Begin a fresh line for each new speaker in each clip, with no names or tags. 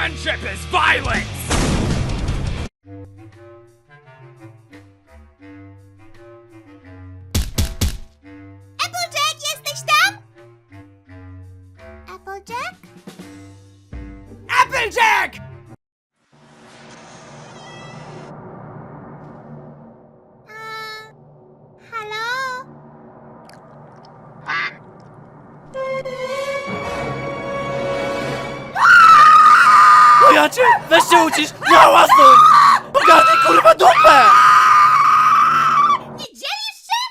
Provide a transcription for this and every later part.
Friendship is violence!
Applejack, jesteś tam? Applejack?
Applejack!
Halo?
No ja cię! Weź się ucisz! Nie hałasuj! Ogarnij kurwa dupę!
Nie dzielisz się?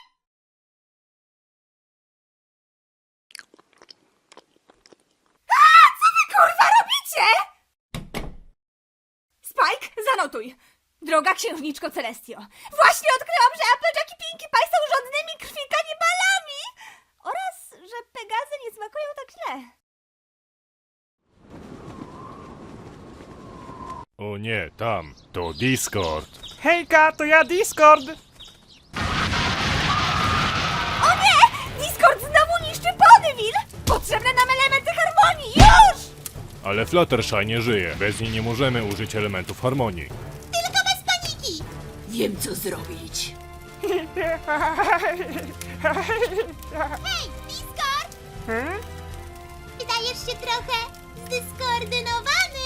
Co wy kurwa robicie?
Spike, zanotuj! Droga księżniczko Celestio, właśnie odkryłam, że Applejack i Pinkie Pie są żądnymi krwi kanibalami! Oraz, że Pegazy nie smakują tak źle.
O nie, tam, to Discord.
Hejka, to ja Discord!
O nie! Discord znowu niszczy Ponyville! Potrzebne nam elementy harmonii, już!
Ale Fluttershy nie żyje. Bez niej nie możemy użyć elementów harmonii.
Tylko bez paniki!
Wiem, co zrobić.
Hej, Discord! Wydajesz się trochę zdyskoordynowany.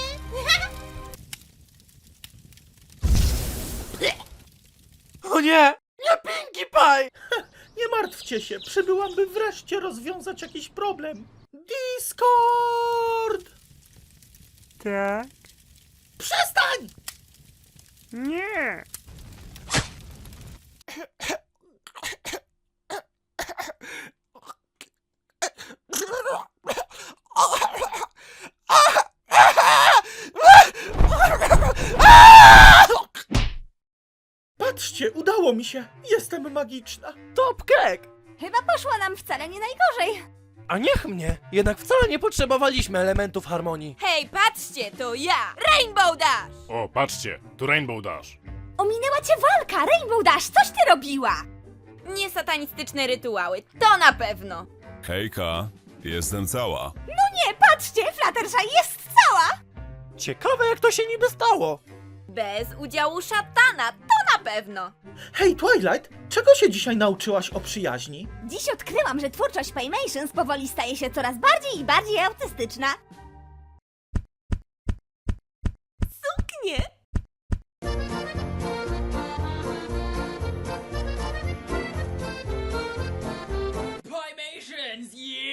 O nie! Nie Pinkie Pie!
Nie martwcie się, przybyłam, by wreszcie rozwiązać jakiś problem. Discord!
Tak?
Przestań!
Nie!
Patrzcie, udało mi się. Jestem magiczna.
Top cake!
Chyba poszło nam wcale nie najgorzej.
A niech mnie! Jednak wcale nie potrzebowaliśmy elementów harmonii.
Hej, patrzcie, to ja, Rainbow Dash!
O, patrzcie, tu Rainbow Dash.
Ominęła cię walka, Rainbow Dash, coś ty robiła?
Nie satanistyczne rytuały, to na pewno.
Hejka, jestem cała.
No nie, patrzcie, Fluttershy jest cała!
Ciekawe jak to się niby stało.
Bez udziału szatana, to na pewno.
Hej, Twilight, czego się dzisiaj nauczyłaś o przyjaźni?
Dziś odkryłam, że twórczość Paymations powoli staje się coraz bardziej i bardziej autystyczna. Suknie!
Pymations, yeah!